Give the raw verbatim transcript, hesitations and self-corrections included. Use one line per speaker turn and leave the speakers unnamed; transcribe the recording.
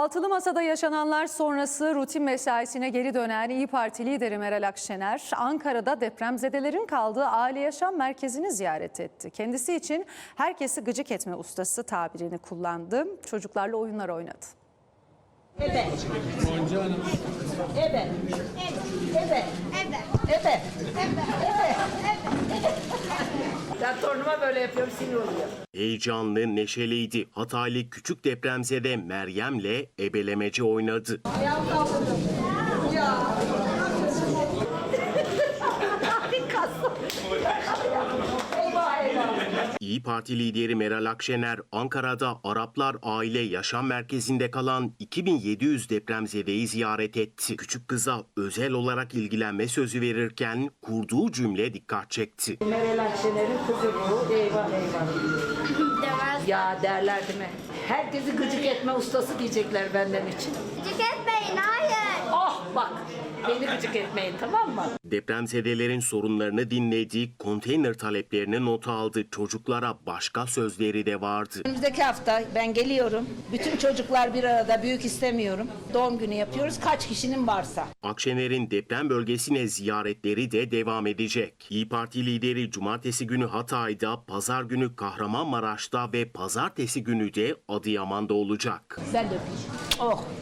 Altılı Masa'da yaşananlar sonrası rutin mesaisine geri dönen İYİ Parti lideri Meral Akşener, Ankara'da depremzedelerin kaldığı aile yaşam merkezini ziyaret etti. Kendisi için herkesi gıcık etme ustası tabirini kullandı. Çocuklarla oyunlar oynadı.
Ebe. Ebe. Ebe. Ebe. Ebe. Ben torunuma böyle yapıyorum, sinir oluyor.
Heyecanlı, neşeliydi. Hataylı küçük depremzede Meryem'le ebelemece oynadı.
Ayağım kaldırdım. Ya. Eyvah eyvah.
İYİ Parti lideri Meral Akşener, Ankara'da Araplar Aile Yaşam Merkezi'nde kalan iki bin yedi yüz depremzedeyi ziyaret etti. Küçük kıza özel olarak ilgilenme sözü verirken kurduğu cümle dikkat çekti.
Meral Akşener'in kızı bu. Eyvah eyvah.
Demez.
Ya derler değil mi? Herkesi gıcık etme ustası diyecekler benden için.
Gıcık etmeyin, hayır.
Oh bak, beni gıcık etmeyin, tamam mı?
Depremzedelerin sorunlarını dinledi, konteyner taleplerini not aldı. Çocuklara başka sözleri de vardı.
Önümüzdeki hafta ben geliyorum. Bütün çocuklar bir arada, büyük istemiyorum. Doğum günü yapıyoruz, kaç kişinin varsa.
Akşener'in deprem bölgesine ziyaretleri de devam edecek. İYİ Parti lideri cumartesi günü Hatay'da, pazar günü Kahramanmaraş'ta ve pazartesi günü de Adıyaman'da olacak.
Ben de öpeyim. Oh.